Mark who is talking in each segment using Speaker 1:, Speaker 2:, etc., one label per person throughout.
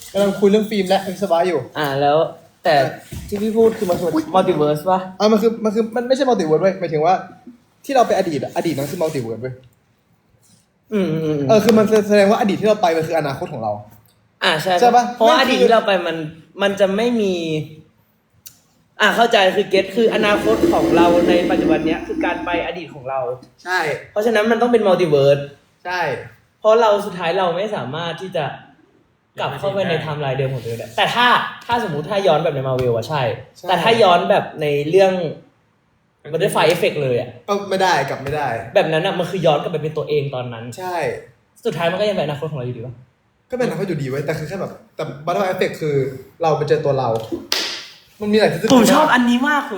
Speaker 1: กำลังคุยเรื่องฟิล์มและวิศวะอยู่
Speaker 2: แล้วแต่ที่พี่พูดคือมันคือมัลติเวิร์สป่ะ
Speaker 1: มันไม่ใช่มัลติเวิร์สเว้ยหมายถึงว่าที่เราไปอดีตนั้นคือมัลติเวิร์สเว้ยคือมันแสดงว่าอดีตที่เราไปมันคืออนาคตของเรา
Speaker 2: ใช่ป่ะเพราะอดีตที่เราไปมันจะไม่มีเข้าใจคือเก็ตคืออนาคตของเราในปัจจุบันเนี้ยคือการไปอดีตของเรา
Speaker 1: ใช่
Speaker 2: เพราะฉะนั้นมันต้องเป็นมัลติเวิร์ส
Speaker 1: ใช่
Speaker 2: เพราะเราสุดท้ายเราไม่สามารถที่จะกลับเข้าไปในไทม์ไลน์เดิมของตัวเองได้แต่ถ้าสมมุติถ้าย้อนแบบในมาเวลอะใช่แต่ถ้าย้อนแบบในเรื่องมันได้ไฟเอฟเฟกต์เลยอะ
Speaker 1: ก็ไม่ได้กลับไม่ได้
Speaker 2: แบบนั้นอะมันคือย้อนกลับไปเป็นตัวเองตอนนั้น
Speaker 1: ใช่
Speaker 2: สุดท้ายมันก็ยังเป็นอนาคตของเราอยู่ดีป่ะ
Speaker 1: ก็เป็นอนาคตอยู่ดีไว้แต่คือแค่แบบแต่บัตเตอร์ไฟเอฟเฟกต์คือเราไปเจอตัวเรามันมีหลายที่
Speaker 2: ผมชอบอันนี้มาก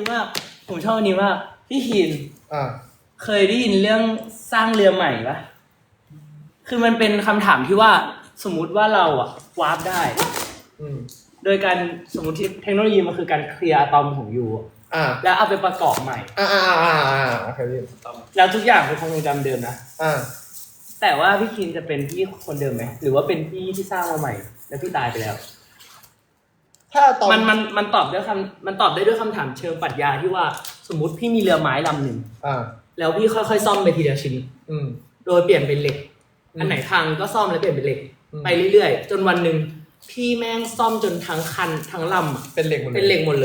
Speaker 2: พี่หินเคยได้ยินเรื่องสร้างเรือใหม่ปะคือมันเป็นคำถามที่ว่าสมมุติว่าเราอะวาร์ปได้โดยการสมมติเทคโนโลยีมันคือการเคลียร์อะตอมของยูแล้วเอาไปประกอบใหม่
Speaker 1: โอเค
Speaker 2: แล้วทุกอย่างเป็นคงจำเดิมนะแต่ว่าพี่คินจะเป็นพี่คนเดิมไหมหรือว่าเป็นพี่ที่สร้างมาใหม่แล้วพี่ตายไปแล้ว
Speaker 1: ถ้าตอน
Speaker 2: มันตอบได้ด้วยคำถามเชิงปรัชญาที่ว่าสมมติพี่มีเรือไม้ลำหนึ่งแล้วพี่ค่อยๆซ่อมไปทีละชิ้นโดยเปลี่ยนเป็นเหล็กอันไหนพังก็ซ่อมแล้วเปลี่ยนเป็นเหล็กไปเรื่อยๆจนวันหนึ่งพี่แม่งซ่อมจนทั้งคันทั้งลำ
Speaker 1: เป็นเหล็กหมด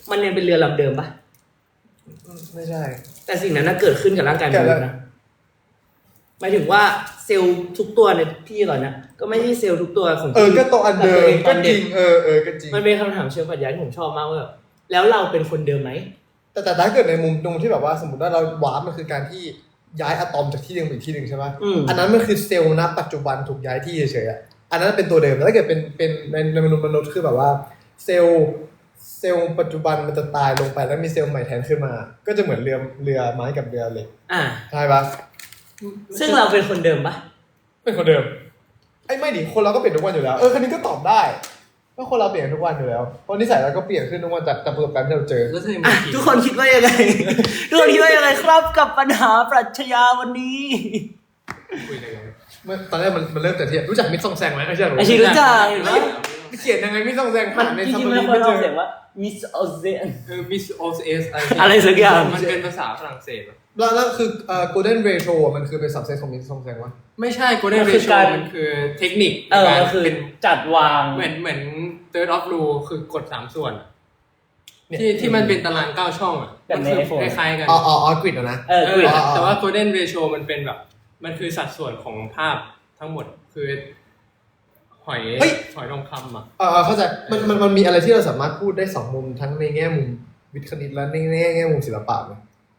Speaker 1: ไม่ใช่
Speaker 2: แต่สิ่งนั้นเกิดขึ้นกับร่างกายมนุษย์นะหมายถึงว่าเซลล์ทุกตัวในพี่ก่อนนะก็ไม่ใช่เซลล์ทุกตัวของพี่
Speaker 1: ก็ตัวอันเดิมก็จริงก็จริง
Speaker 2: มันเป็นคำถามเชิงปรัชญาที่ผมชอบมากว่าแล้วเราเป็นคนเดิมไหม
Speaker 1: แต่ถ้าเกิดในมุมตรงที่แบบว่าสมมติว่าเราวาร์ปมันคือการที่ย้ายอะตอมจากที่นึงไปอีกที่นึงใช่ไหมอันนั้นมันคือเซลล์ณปัจจุบันถูกย้ายที่เฉยๆอันนั้นเป็นตัวเดิมแต่ถ้าเกิดเป็นในมนุษย์คือแบบว่าเซลล์ปัจจุบันมันจะตายลงไปแล้วมีเซลล์ใหม่แทนขึ้นมาก็จะเหมือนเรือไม้กับเรือเหล็กใช่ปะ
Speaker 2: ซึ่งเราเป็นคนเดิมปะ
Speaker 1: เป็นคนเดิมไม่ดิคนเราก็เปลี่ยนทุกวันอยู่แล้วคันนี้ก็ตอบได้ว่าคนเราเปลี่ยนทุกวันอยู่แล้วเพราะนิสัยเราก็เปลี่ยนขึ้นทุกวันจากประสบการณ์ที่เราเจอ
Speaker 2: ทุกคนคิดว่ายังไงครับกับปัญหาปรัชญาวันนี้
Speaker 1: คุยกันตอนแรกมันเริ่มแต่ที่รู้จักมิตรซองแซงไหมไม่ใช่หรอ
Speaker 2: รู้จัก
Speaker 1: เขียนยังไงมิตรซองแซง
Speaker 2: ในซัมมารีไม่เจอเสียงว่ามิสออเซน
Speaker 3: มิสออเอส
Speaker 2: อะไรสักอย่าง
Speaker 3: มันเป็นภาษาฝรั่งเศส
Speaker 1: แล้วคือgolden ratio มันคือเป็นสับเซตของมิตรซองแซงวะ
Speaker 3: ไม่ใช่ golden ratio มันคือเทคนิค
Speaker 2: มันคือจัดวาง
Speaker 3: เหมือน third of rule คือกฎ3ส่วนที่มันเป็นตาราง9ช่อง
Speaker 2: มันคือ
Speaker 3: คล้ายๆกัน
Speaker 1: กริดนะ
Speaker 3: แต่ว่า golden ratio มันเป็นแบบมันคือสัดส่วนของภาพทั้งหมดคือหอยทองคำ
Speaker 1: เข้าใจมันมีอะไรที่เราสามารถพูดได้2มุมทั้งในแง่มุมวิทย์คณิตและในแง่มุมศิลปะไหม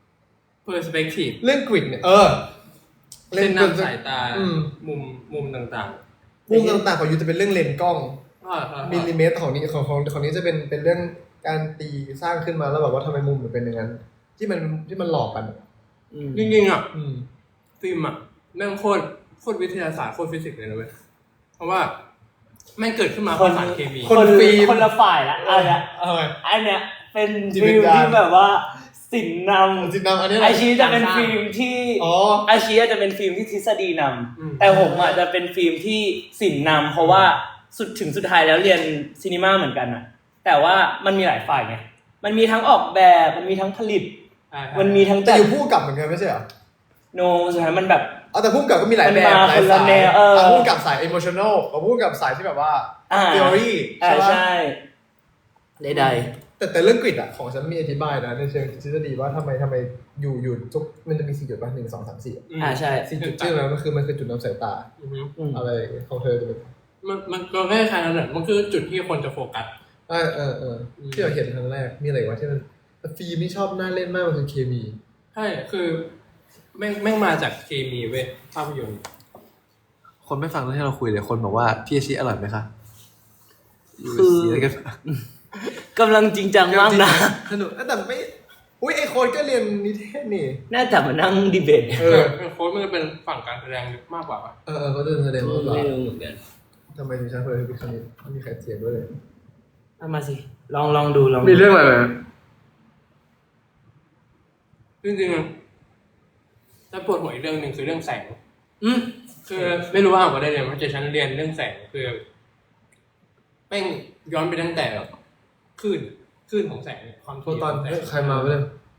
Speaker 3: perspective
Speaker 1: เรื่องกริดเนี่ย
Speaker 3: เส้นนำสายตามุมต่าง
Speaker 1: ๆของยูจะเป็นเรื่องเลนส์กล้องมิลลิเมตรของนี้จะเป็นเรื่องการตีสร้างขึ้นมาแล้วแบบว่าทำไมมุมมันเป็นอย่างนั้นที่มันหลอกกัน
Speaker 3: จริงๆฟิล์มแม่งโคตรวิทยาศาสตร์โคตรฟิสิกส์เลยนะเว้ยเพราะว่าแม่งเกิดขึ้นมา
Speaker 2: คน
Speaker 3: สารเคมี
Speaker 2: คนละฝ่ายละอันเนี้ยเป็นฟิล์มที่แบบว่าศิลป์นำ
Speaker 1: อันนี้
Speaker 2: อาชีจะเป็นฟิล์มที่อาชีจะเป็นฟิล์มที่ทฤษฎีนำแต่ผมจะเป็นฟิล์มที่ศิลป์นำเพราะว่าสุดท้ายแล้วเรียนซีนีมาเหมือนกันนะแต่ว่ามันมีหลายฝ่ายไงมันมีทั้งออกแบบมันมีทั้งผลิตมันมีทั้ง
Speaker 1: แต่อยู่ผู้กับเหมือนกันไม่ใช่เหรอ
Speaker 2: โนสุดท้ายมันแบบ
Speaker 1: แต่ผู้กับก็มีหลายแบบหลายสายผู้กับสาย emotional กับผู้กับสายที่แบบว่า theory
Speaker 2: ใช่ได้
Speaker 1: แต่เรื่องกริดของฉันมีอธิบายนะในเชิงทฤษฎีว่าทำไมอยู่ทุกมันจะมี4จุดป่ะ1 2 3 4
Speaker 2: ใช่
Speaker 1: 4จุดชื่อแล้วมันคือจุดนำสายตาอะไรของเธอจะเป็น
Speaker 3: มันก็แค่คล้ายๆนั้นแหละมันคือจุดที่คนจะโฟกัส
Speaker 1: ที่เราเห็นครั้งแรกมีอะไรวะที่มันฟิล์มที่ชอบน่าเล่นมากมันคือเคมี
Speaker 3: ใช่คือแม่งมาจากเคมีเว้ยภาพยนตร์
Speaker 1: คนไม่ฟังเรื่องที่เราคุยเลยคนบอกว่าพี่อาชีอร่อยไหมคะ
Speaker 2: คือกำลังจริงจังมากนะ
Speaker 1: สนุกแต่ไม่ไอโค้ดก็เรียนนิเทศนี่
Speaker 2: น่าจะมานั่งดีเบต
Speaker 3: โค้ดมันจะเป็นฝั่งการแสดงมากกว่า
Speaker 1: เขาจะแสดงมากกว่า
Speaker 2: ไม่รู้เหมือนกัน
Speaker 1: ทำไมถึงใช้เพื่อพิคณิตไม่มีใครเถียงด้วยเลย
Speaker 2: เอามาสิลองดู
Speaker 1: มีเรื่องอะไร
Speaker 3: จริงๆถ้าปวดหัวอีกเรื่องนึงคือเรื่องแสงคือไม่รู้ว่าอ่านก็ได้เรียนเพราะฉันเรียนเรื่องแสงคือแม่งย้อนไปตั้งแต่แบบคลื่นของแสงเนี่ยความ
Speaker 1: โฟ
Speaker 3: ถี่
Speaker 1: ตอน
Speaker 3: ของแสง
Speaker 1: ใครมาเพื่อน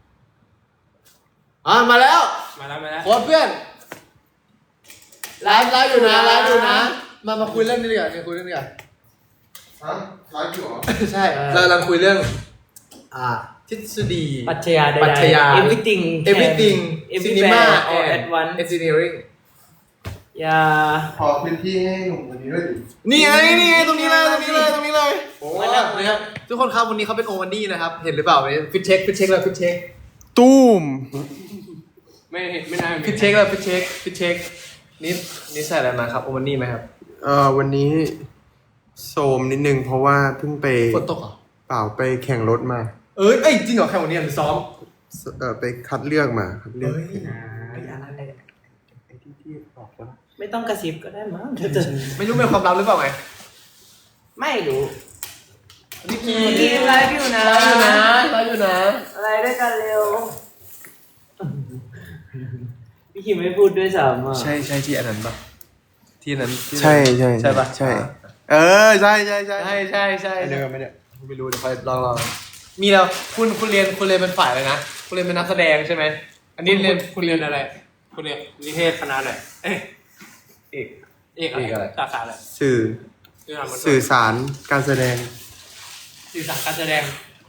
Speaker 1: มาแล้ว
Speaker 3: มาแล้ว
Speaker 1: โค้ชเพื่อนไลฟ์อยู่นะมาคุยเรื่องนี้ดีกว่าคุยเรื่องนี้ดีกว่า
Speaker 4: ฮะไลฟ์อยู่เหรอ
Speaker 1: ใช่เรากำลังคุยเรื่องทฤษฎี
Speaker 2: ปรัชญาใดๆ
Speaker 1: ปรัชญา
Speaker 2: everything
Speaker 1: everything cinema
Speaker 2: everywhere all
Speaker 1: and
Speaker 2: at once
Speaker 1: engineering
Speaker 2: อย่า
Speaker 4: ขอพื้นที่ให้หนุ่มคนนี้ด้วยดิ
Speaker 1: นี่ไงตรงนี้เลย
Speaker 4: โอ้
Speaker 1: มาแล้วนะครับทุกคนครับวันนี้เขาเป็นโอวันดี้นะครับเห็นหรือเปล่าฟิตเช็คเลยฟิตเช็ค
Speaker 4: ตูม
Speaker 3: ไม่น่า
Speaker 1: ฟิตเช็คนี่ใส่อะไรมาครับโอวันดี้ไหมครับ
Speaker 4: วันนี้โซมนิดนึงเพราะว่าเพิ่งไป
Speaker 1: ฝนตกเหรอ
Speaker 4: เปล่าไปแข่งรถมา
Speaker 1: เอ้ยจริงเหรอแข่งวันนี้หรือซ้อม
Speaker 4: ไปคัดเลือกมาคัดเลือก
Speaker 2: ไม่ต้องกระซิบก็ได้มั้ง
Speaker 1: ไม่รู้เป็นความลับหรือเปล่าไง
Speaker 2: ไม่รู้
Speaker 1: นี่
Speaker 2: พี่ไลฟ์อยู่นะ
Speaker 1: ไลฟ์อยู่นะ
Speaker 2: อะไรด้วยกันเร็ว พี่คิมไม่พูดด้วยซ้ำอ่ะ
Speaker 1: ใช่ที่อันนั้นปะที่นั้น
Speaker 4: ใช่
Speaker 1: ใช่ปะ
Speaker 4: ใช่ใช่
Speaker 1: ใช่
Speaker 4: เดินไม่เนี่ย
Speaker 1: ไม่รู้เดี๋ยวค่อยลองมีแล้วคุณเรียนเป็นฝ่ายอะไรนะคุณเรียนเป็นนักแสดงใช่ไหมอันนี้เรียน
Speaker 3: คุณเรียนอะไรคุณเรียนนิเทศคณะอะไรเอกอะไรสาขาอะไร
Speaker 4: สื่อสารการแสดง
Speaker 3: สื่อสารการแสดง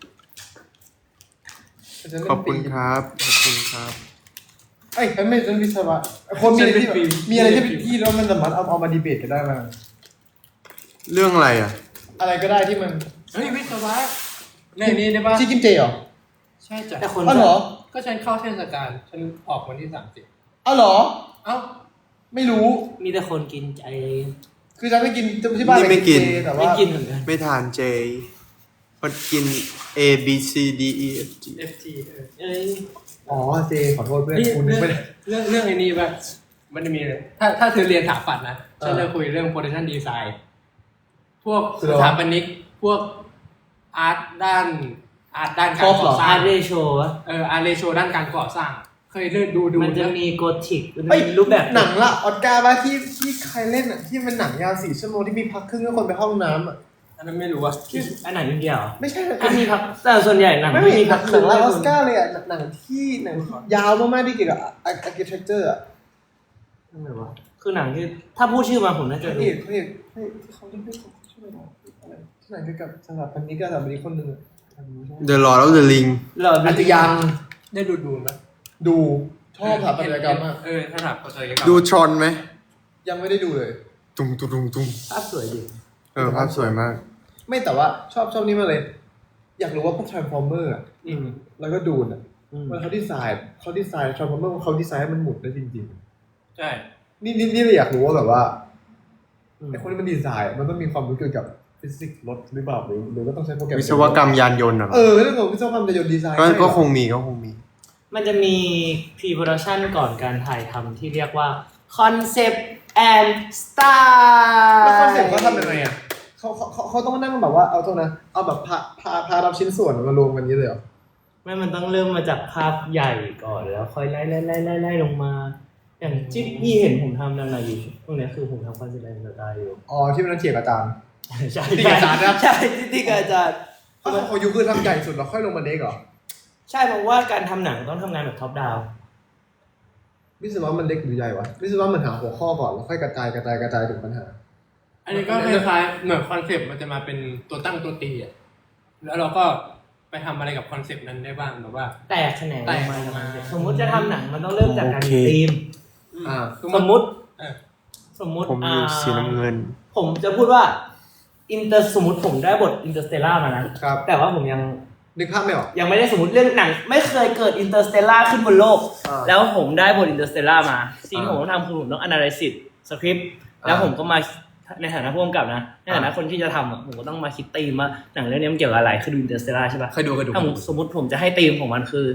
Speaker 4: ขอบคุณครับ
Speaker 1: เอ้ยไม่ใช่วิศวะคนมีอะไรที่มีอะไรที่แล้วมันสามารถเอามาดีเบตกันได้ไหม
Speaker 4: เรื่องอะไรอ่ะ
Speaker 1: อะไรก็ได้ที่มัน
Speaker 3: เฮ้ยวิศวะเรื่องนี้ได้ปะ
Speaker 1: ที่กิมเจเหรอ
Speaker 3: ใช่จ้ะ
Speaker 2: แต่คน
Speaker 1: อ๋อเหรอ
Speaker 3: ก็ฉันเข้าเทศกาลฉันออกวันที่30
Speaker 1: อ๋อเหรอ
Speaker 3: เอ้า
Speaker 1: ไม่รู้
Speaker 2: มีแต่คนกินใจ
Speaker 1: คือฉันไม่กินที่บ้าน
Speaker 4: นี่ไม่กิน
Speaker 1: เจแต่
Speaker 2: ไม่
Speaker 1: ว่า
Speaker 2: กินเหมือนกัน
Speaker 4: ไม่ทานเจคนกิน A B C D E F G
Speaker 3: FT
Speaker 2: เอ้ย
Speaker 1: อ๋อเจขอโทษเพื่อน
Speaker 3: นี่
Speaker 1: คุณ
Speaker 3: เรื่อง
Speaker 1: ไม่ได้
Speaker 3: เรื่องไอ้นี่ป่ะมันจะมีเลยถ้าเธอเรียนสถาปัตย์นะฉันจะคุยเรื่อง production design พวกสถาปนิกพวกอาร์ตด้านการก่อสร้า
Speaker 2: อาง ร์เรโชวะ
Speaker 3: อาร์เรโชด้านการก่อสร้าง เคยเลื่อนดู
Speaker 2: มันจะมีโกธิกมัน
Speaker 1: เอ้ย
Speaker 2: มีรูปแบบ
Speaker 1: หนังละออสการ์ป่ะที่ใครเล่นอ่ะที่เป็นหนังยาว4 ชั่วโมงที่มีพักครึ่งแล้วคนไปห้องน้ำอ่ะ
Speaker 3: อันนั้นไม่รู้ว่า
Speaker 2: อันไหนอินเดียเหรอ
Speaker 1: ไม่ใช่นะ
Speaker 2: อันมีพักแต่ส่วนใหญ่หนัง
Speaker 1: ไม่
Speaker 2: ไม่
Speaker 1: มี
Speaker 2: มี
Speaker 1: หนั
Speaker 2: พั
Speaker 1: ง
Speaker 2: กครึ่ง
Speaker 1: ละออสการ์เลยอ่ะหนังที่ยาวมากๆที่เกี่ยวกับ architecture อ่ะ
Speaker 2: นั่นไหนวะคือหนังที่ถ้าพูดชื่อมาผมน่าจะ
Speaker 1: พระ
Speaker 2: รู้
Speaker 1: เอกที่เขาเล่นด้วยเขาชื่ออะไรอะไรที่ไหนเกี่ยวกับสถาปนิกคนหนึ่งอะ
Speaker 4: The Lord of the Ring
Speaker 2: หลอด
Speaker 1: อาจจะยัง
Speaker 3: ได้ดูไหม
Speaker 1: ดูชอบสถาปัตยกรรมมาก
Speaker 3: ถ้าถามปัตยกรรม
Speaker 4: ดูทรอนไหม
Speaker 1: ยังไม่ได้ดูเลย
Speaker 4: ตุ้ง
Speaker 2: ภาพสวยดี
Speaker 4: ภาพสวยมาก
Speaker 1: ไม่แต่ว่าชอบนี่มากเลย อยากรู้ว่าพวก transformer อ่ะแล้วก็ดูนอ่ะมันเขาดีไซน์ transformer เขาดีไซน์ให้มันหมุนได้จริง
Speaker 3: ใช่
Speaker 1: ๆนี่เลยอยากรู้ว่าแบบว่าไอ้คนที่มันดีไซน์มันต้องมีความรู้เกี่ยวกับฟิสิกส์รถหรือเปล่าหรือว่าต้องใช้โปรแกรม
Speaker 4: วิศวกรรมยานยนต์อ่ะ
Speaker 1: เรื่องของวิศวกรรมยานต์ดีไซน์
Speaker 4: ก็คงมี
Speaker 2: มันจะมี pre-production ก่อนการถ่ายทำที่เรียกว่า concept and style
Speaker 1: แล้วคอนเซ็ปต์เขาทำยังไงอ่ะเขาต้องนั่งแบบว่าเอาตรงนะเอาแบบพารับชิ้นส่วนมารวมกันนี้เลยเหรอ
Speaker 2: ไม่มันต้องเริ่มมาจากภาพใหญ่ก่อนแล้วค่อยไล่ลงมา อย่างที่พี่เห็นผมทำนั่นน่ะอยู่ตรงเนี้ยคือผมทำ concept and style อยู่
Speaker 1: อ๋อที่มันต้องเถียงกับอาจารย์
Speaker 2: ใช่
Speaker 1: ที่อาจารย์นะ
Speaker 2: ใช่ที่อาจารย์
Speaker 1: เขาอยู่คือทำใหญ่สุดแล้วค่อยลงมาเล็กเหรอ
Speaker 2: ใช่เพราะว่าการทำหนังต้องทำงานแบบท็อปดาว
Speaker 1: วิศวะมันเล็กหรือใหญ่วะวิศวะมันหาหัวข้อก่อนแล้วค่อยกระจายถึงปัญหา
Speaker 3: อันนี้ก็คล้ายๆเหมือนคอนเซปต์มันจะมาเป็นตัวตั้งตัวตีอ่ะแล้วเราก็ไปทำอะไรกับคอนเซปต์นั้นได้บ้างแบบว่า
Speaker 2: แตกแขนง
Speaker 3: แตก
Speaker 2: มา
Speaker 3: ออกมา
Speaker 2: สมมุติจะทำหนังมันต้องเริ่มจากการมีธีม สมมุติ
Speaker 4: ผมอยู่สีน้ำเงิน
Speaker 2: ผมจะพูดว่าสมมติผมได้บทอินเตอร์สเตลล่ามานะครับ แต่ว่าผมยัง
Speaker 1: นึกภาพไม่ออก
Speaker 2: ไม่ได้สมมติเรื่องหนัง ไม่เคยเกิดอินเตอร์สเตลล่าขึ้นบนโลก แล้วผมได้บทอินเตอร์สเตลล่ามาสิ่งที่ผมต้องทำคือผมต้อง analysis สคริปต์แล้วผมก็มาในฐานะผู้กำกับนะในฐานะคนที่จะทำอะผมก็ต้องมาคิดธีมว่าหนังเรื่องนี้มันเกี่ยวกับอะไรคือดูอินเตอร์สเตลล่าใช่ปะ
Speaker 1: เคยดู
Speaker 2: ถ้าสมมติผมจะให้ธีมของมันคือ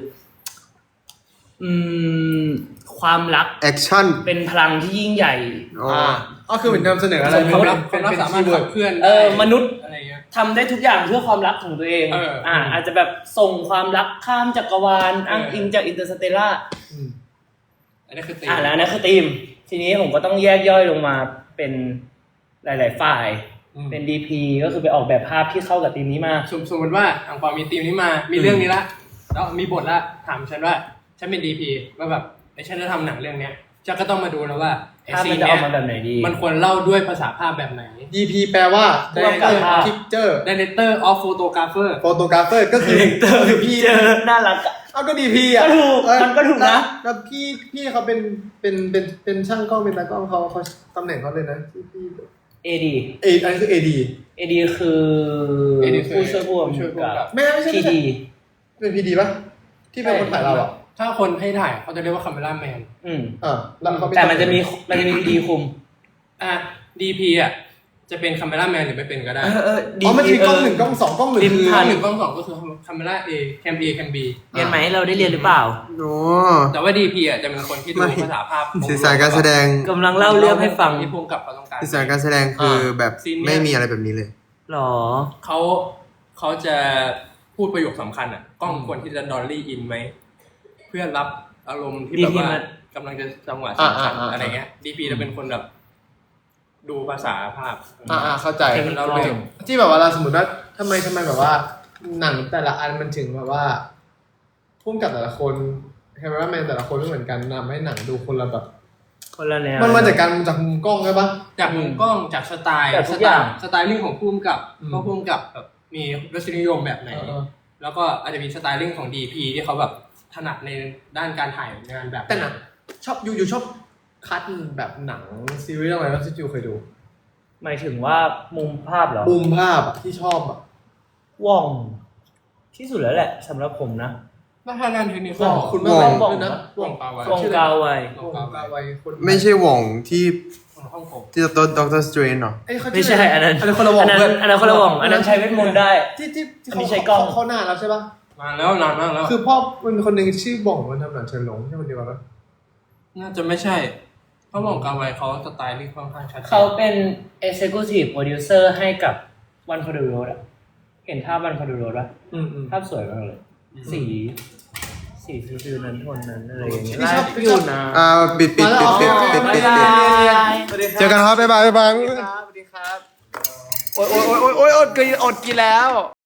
Speaker 2: ความรัก
Speaker 4: แอคชั่น
Speaker 2: เป็นพลังที่ยิ่งใหญ่
Speaker 1: ก็คือเหมือนนำเสนออะไร
Speaker 3: ความรักสามารถขับเคลื่อนได้
Speaker 2: มนุษย์
Speaker 3: อะไรเงี้ย
Speaker 2: ทำได้ทุกอย่างเพื่อความรักของตัวเอง อาจจะแบบส่งความรักข้ามจักรวาลอ้างอิงจากอินเตอร์สเตลล่า
Speaker 3: อันนี้คือตี
Speaker 2: แล้วนั่นคือธีมทีนี้ผมก็ต้องแยกย่อยลงมาเป็นหลายๆฝ่ายเป็น DP ก็คือไปออกแบบภาพที่เข้ากับธีมนี้มา
Speaker 3: สมมติว่าอังเปามีธีมนี้มามีเรื่องนี้ละแล้วมีบทละถามฉันว่าฉันเป็น DP ว่าแบบฉันจะทำหนังเรื่องเนี้ยฉันก็ต้องมาดูแล้วว่าไอ้
Speaker 2: ภาพ
Speaker 3: ซี
Speaker 2: มัน
Speaker 3: น
Speaker 2: จะ
Speaker 3: เนี้
Speaker 2: ออย กมาแบบไหนดี
Speaker 3: มันควรเล่าด้วยภาษาภาพแบบไหน
Speaker 1: DP แปลว่า
Speaker 2: ร่วมกับภาพ
Speaker 1: Picture
Speaker 3: Director of Photographer
Speaker 1: Photographer ก็คือพี่
Speaker 2: เจอน่ารักอะ
Speaker 1: เอาก็ DP อ่ะ
Speaker 2: ก็ถูกมันก็ถูกนะ
Speaker 1: แล้วพี่เขาเป็นช่างกล้องเป็นตากล้องเขาตำแหน่งเขาเลยนะพี่
Speaker 2: AD
Speaker 1: อันนี้คือ AD
Speaker 2: AD คือ
Speaker 3: AD
Speaker 2: ผู้ช่วยผู้
Speaker 3: ผู้ช่วยผู้
Speaker 2: กำ
Speaker 3: กำกั
Speaker 2: กับ
Speaker 3: บ
Speaker 1: ไม่ใช่
Speaker 2: PD
Speaker 1: เป็น PD ป่ะที่เป็นคนถ่ายเราอ่ะ
Speaker 3: ถ้าคนให้ถ่ายเขาจะเรียกว่า camera man
Speaker 1: แล้วเขา
Speaker 2: แต่มันจะมี PD คุม
Speaker 3: DP อ่ะจะเป็น camera man หรือไม่เป็นก็ได้
Speaker 1: มันจะมีกล้อง1กล้อง2กล้อง1
Speaker 2: ริม
Speaker 1: คือ
Speaker 2: ทาง
Speaker 3: 1กล้อง2ก็คือ camera A cam A cam B
Speaker 2: เรียนไหมเราได้เรียนหรือเปล่า
Speaker 4: โอ้
Speaker 3: แต่ว่า DP อ่ะจะเป็นคนที่ดูภาษาภาพ
Speaker 4: สื่อสารการแสดง
Speaker 2: กำลังเล่าเรื่องให้ฟัง
Speaker 3: ที่พุ่งกับเขาต้องการ
Speaker 4: สื่อสารการแสดงคือแบบ
Speaker 3: ซีนเนี่ย
Speaker 4: ไม่มีอะไรแบบนี้เลย
Speaker 2: หรอ
Speaker 3: เขาจะพูดประโยคสำคัญอ่ะกล้องควรที่จะดอลลี่อินไหมเพื่อรับอารมณ์ที่แบบว่ากำลังจะจังหวะสำคัญอะไรเงี้ย DP จะเป็นคนแบบดูภาษาภาพ
Speaker 1: เข้าใจ
Speaker 2: เทคนิค
Speaker 3: เราเรื่อง
Speaker 1: ที่แบบว่าเราสมมติว่าทำไมแบบว่าหนังแต่ละอันมันถึงแบบว่าพุ่งกับแต่ละคนแคมเมราแมนแต่ละคนไม่เหมือนกันนำให้หนังดูคนละแบบ
Speaker 2: คนละแนว
Speaker 1: มันมาจากมุมกล้องใช่ปะ
Speaker 3: จากมุมกล้องจากสไตล์
Speaker 2: จากทุกอย่าง
Speaker 3: สไตลิ่งของพุ่มกับ
Speaker 1: อืม
Speaker 3: ก็พุ่มกับแบบมีรสนิยมแบบไหน แล้วก็อาจจะมีสไตลิ่งของ DP ที่เขาแบบถนัดในด้านการถ่ายงานแบบ
Speaker 1: แต่หนังชอบอยู่ชอบคัดแบบหนังซีรีส์อะไรบ้างที่จูเคยดู
Speaker 2: หมายถึงว่ามุมภาพเหรอ
Speaker 1: มุมภาพอะที่ชอบอะ
Speaker 2: ว่องที่สุดแล้วแหละสำหรับผมนะ
Speaker 3: ถ้าด้านเทคนิค
Speaker 1: คุณ
Speaker 4: ว่อง
Speaker 1: ด้วยนะ
Speaker 3: ว่องปาไว้
Speaker 2: ว่องกาวไว
Speaker 1: ว่องกาไวคน
Speaker 4: ไม่ใช่หว่องที่
Speaker 3: ของฮ่องกง
Speaker 4: ที่ตัวด็อกเตอร์สเตรนหรอ
Speaker 1: เอ้ยเขา
Speaker 2: ไม่ใช่อันนั้น
Speaker 1: อันนั้นคนละวง
Speaker 2: อันนั้น
Speaker 1: เพื่อน
Speaker 2: อันนั้นคนละว่องอันนั้นใช้เวทมนต์ได้
Speaker 1: ที่
Speaker 2: อันนี้ใช้กล้อง
Speaker 1: เขาหน้าแล้วใช่ปะ
Speaker 3: มาแล้วนานมากแล้ว
Speaker 1: คือพ่อมันมีคนหนึ่งชื่อบ่องมันทำหนังเฉินหลงใช่คนเดียวกันปะ
Speaker 3: น่าจะไม่ใช่เพราะว่องกาไวเขาสไตลิ่งค่อนข้างชัดจน
Speaker 2: เขาเป็น executive producer ให้กับ One for the Road อะเห็นภาพ One for the Road ป่ะภาพสวยมากเลย สีฟิวนั้นโทนนั้นอะไรอย่างเงี้ย
Speaker 1: ที่ชอบ
Speaker 2: อยู่นะ
Speaker 4: ปิด เจอกันครับบ๊ายบาย
Speaker 1: สวัสดีครับโอ๊ยอดกินแล้ว